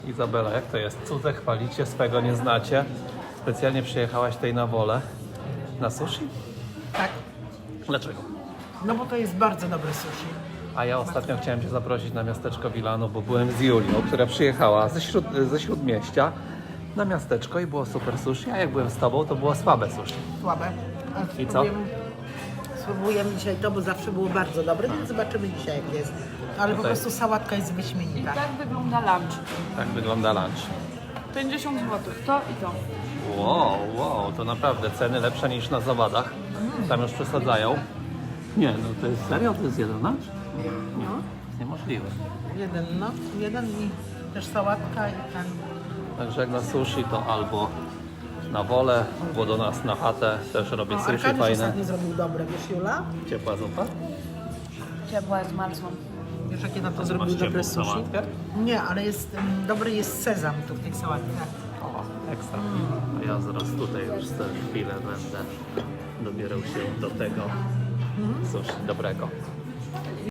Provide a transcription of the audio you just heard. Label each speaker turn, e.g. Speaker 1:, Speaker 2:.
Speaker 1: Izabela, jak to jest? Cudze chwalicie, swego nie znacie. Specjalnie przyjechałaś tutaj na Wolę. Na sushi?
Speaker 2: Tak,
Speaker 1: Dlaczego?
Speaker 2: no bo to jest bardzo dobre sushi.
Speaker 1: A ja ostatnio chciałem Cię zaprosić na miasteczko Wilano, bo byłem z Julią, która przyjechała ze Śródmieścia na miasteczko i było super sushi, a jak byłem z Tobą, to było słabe sushi.
Speaker 2: Słabe.
Speaker 1: I co?
Speaker 2: Spróbujemy dzisiaj to, bo zawsze było bardzo dobre, więc zobaczymy dzisiaj jak jest. Ale po
Speaker 1: Tutaj.
Speaker 2: prostu sałatka jest wyśmienita.
Speaker 3: Tak wygląda lunch.
Speaker 1: Tak wygląda lunch.
Speaker 3: 50 zł. To i to.
Speaker 1: Wow, to naprawdę ceny lepsze niż na zawadach. Tam już przesadzają. Nie, no to jest serio? To jest jeden lunch?
Speaker 2: No,
Speaker 1: Niemożliwe.
Speaker 2: jeden i też sałatka i ten.
Speaker 1: Także jak na sushi to albo na Wolę, albo do nas na chatę. Też robię sushi
Speaker 2: Arkadiusz
Speaker 1: fajne.
Speaker 2: ostatnio zrobił dobre, wiesz Jula?
Speaker 1: Ciepła zupa?
Speaker 3: Ciepła z malcą.
Speaker 2: Wiesz jakie na to
Speaker 1: Masz
Speaker 2: zrobił
Speaker 1: ciepłą
Speaker 2: dobre sushi?
Speaker 1: sałatkę?
Speaker 2: Nie, ale jest, dobry jest sezam tu w tej sałatce.
Speaker 1: O, ekstra. A ja zaraz tutaj już za chwilę będę dobierał się do tego sushi dobrego.